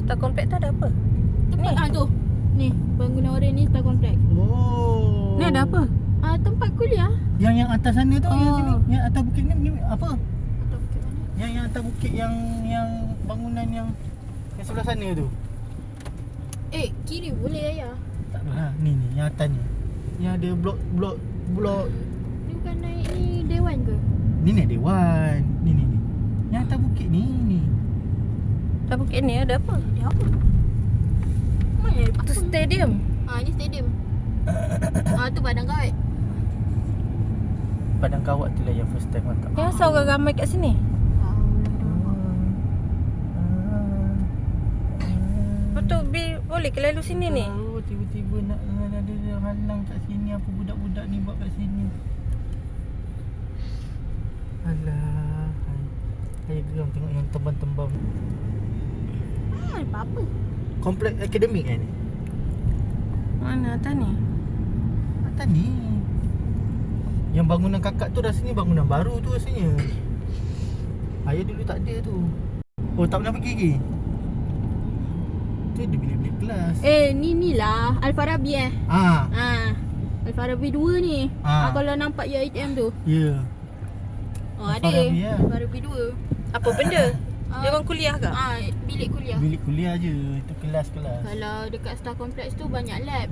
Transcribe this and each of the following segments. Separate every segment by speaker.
Speaker 1: Star Complex tu ada apa?
Speaker 2: Tempat tu. Ni, bangunan oren ni Star Complex.
Speaker 3: Oh.
Speaker 1: Ni ada apa?
Speaker 2: Tempat kuliah.
Speaker 3: Yang atas sana tu, yang sini, yang atas bukit ni apa?
Speaker 2: Atau bukit mana?
Speaker 3: Yang atas bukit yang bangunan yang sebelah sana tu.
Speaker 2: Kiri boleh ayah.
Speaker 3: Tak adalah. Ni yang atas ni. Yang ada blok.
Speaker 2: Ni bukan naik ni Dewan ke?
Speaker 3: Ni Dewan. Ni. Yang atas bukit ni.
Speaker 1: Star bukit ni ada apa?
Speaker 2: Dia apa? Mana ada
Speaker 1: Tu stadium.
Speaker 2: Ni stadium. Tu padang kawat.
Speaker 3: Padang kawat tu lah yang first time mantap.
Speaker 1: Yang asal orang ramai kat sini. Betul, boleh ke lalu sini ni?
Speaker 3: Oh, tiba-tiba nak ada halang kat sini. Apa budak-budak ni buat kat sini? Alah. Saya geram tengok yang tembam-tembam.
Speaker 2: Apa-apa.
Speaker 3: Kompleks akademik kan ni?
Speaker 1: Mana atas ni?
Speaker 3: Atas ni. Yang bangunan kakak tu rasanya bangunan baru tu rasanya. Ayah dulu tak ada tu. Oh, tak pernah pergi lagi? Tu ada bilik-bilik kelas.
Speaker 2: Ni lah Al-Farabi Al-Farabi 2 ni. Kalau nampak je ATM tu.
Speaker 3: Ya.
Speaker 2: Ada.
Speaker 3: Al-Farabi lah.
Speaker 2: Al-Farabi 2.
Speaker 1: Apa benda? Dia orang kuliah ke?
Speaker 2: Bilik kuliah.
Speaker 3: Bilik kuliah je. Itu kelas-kelas.
Speaker 2: Kalau dekat Star Complex tu banyak lab.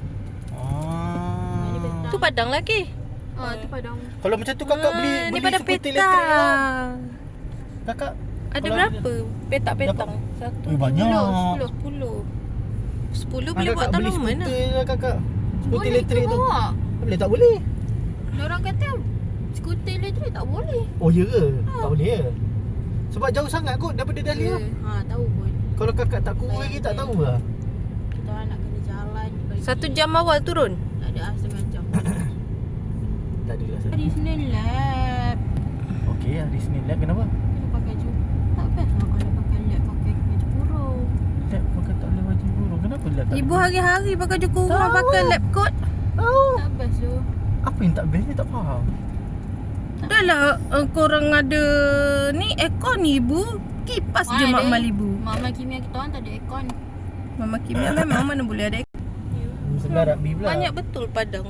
Speaker 2: Dia
Speaker 3: Ah.
Speaker 2: petang.
Speaker 1: Tu padang lagi.
Speaker 2: Tu padang.
Speaker 3: Kalau macam tu kakak beli
Speaker 1: Ni padang
Speaker 3: skuter
Speaker 1: petang.
Speaker 3: elektrik lah. Kakak
Speaker 1: Ada
Speaker 3: kalau
Speaker 1: berapa? Petak-petang.
Speaker 3: dapat-
Speaker 1: Satu.
Speaker 3: banyak.
Speaker 1: 10. 10 boleh buat
Speaker 3: beli
Speaker 1: tanaman lah.
Speaker 3: skuter lah kakak. Skuter
Speaker 2: Boleh
Speaker 3: elektrik
Speaker 2: ke
Speaker 3: tu.
Speaker 2: bawa?
Speaker 3: Boleh tak boleh?
Speaker 2: Diorang kata skuter elektrik tak boleh.
Speaker 3: Oh ya ke? Tak boleh ya? Sebab jauh sangat kot daripada Dahlia.
Speaker 2: Tahu pun.
Speaker 3: Kalau kakak tak kurus lagi tak tahu lah.
Speaker 2: Kita orang nak kena jalan pergi.
Speaker 1: 1 jam awal turun.
Speaker 2: Tak ada setengah jam.
Speaker 3: Tak ada rasa.
Speaker 2: Hari Senin lab.
Speaker 3: Okey, hari Senin lah. Kenapa?
Speaker 2: Kena pakai baju. Tak best lah kalau pakai lab pakai baju kurung.
Speaker 3: Lab pakai tak boleh baju burung. Kenapa lab tak
Speaker 1: Ibu
Speaker 3: boleh?
Speaker 1: hari-hari pakai baju kurung, pakai lab coat.
Speaker 2: Tak best tu.
Speaker 3: Apa yang tak best ni tak faham.
Speaker 1: Dah lah korang ada ni aircon ni ibu. Kipas je mak mal ibu.
Speaker 2: Mama kimia kita orang tak ada aircon.
Speaker 1: Mama kimia memang mana boleh ada aircon.
Speaker 3: Ni sebelah rugby pula.
Speaker 1: Banyak betul padang.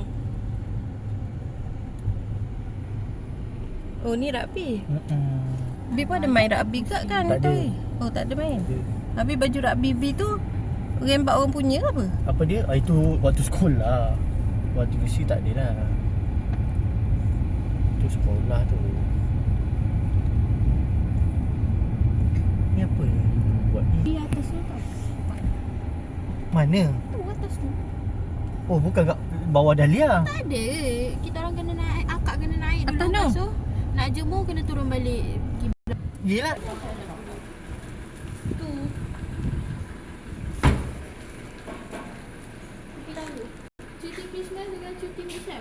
Speaker 1: Oh ni rugby. Bi pun ada main rugby kat kan?
Speaker 3: Tak ada.
Speaker 1: Oh tak ada main. Habis baju rugby B tu rembat orang punya ke apa?
Speaker 3: Apa dia? Itu waktu sekolah. Waktu UC tak ada lah. Itu sekolah tu. Ni apa yang buat ni?
Speaker 2: Di atas tu tau.
Speaker 3: Mana?
Speaker 2: Tu atas tu.
Speaker 3: Oh, bukan kat bawah Dahlia.
Speaker 2: Tak ada. Kita orang kena naik. Akak kena naik dulu.
Speaker 1: Atas tu?
Speaker 2: Lepas tu nak jemur kena turun balik.
Speaker 3: Yelah.
Speaker 2: Tu. Pergi lalu. Cuti Christmas dengan cuti Islam.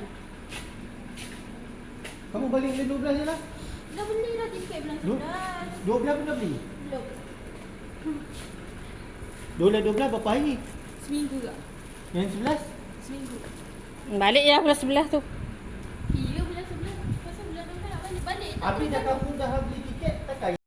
Speaker 3: Kamu balik bulan 12 je lah.
Speaker 2: Dah beli dah tiket bulan
Speaker 3: Dua?
Speaker 2: 11.
Speaker 3: 12 pun dah beli.
Speaker 2: Belum.
Speaker 3: 12 berapa hari?
Speaker 2: Seminggu ke?
Speaker 3: Yang 11?
Speaker 2: Seminggu.
Speaker 1: Balik ya bulan 11 tu.
Speaker 2: Iya bulan 11. Pasal bulan 12 nak balik. Balik tak
Speaker 3: Habis dah kamu dah beli tiket, takkan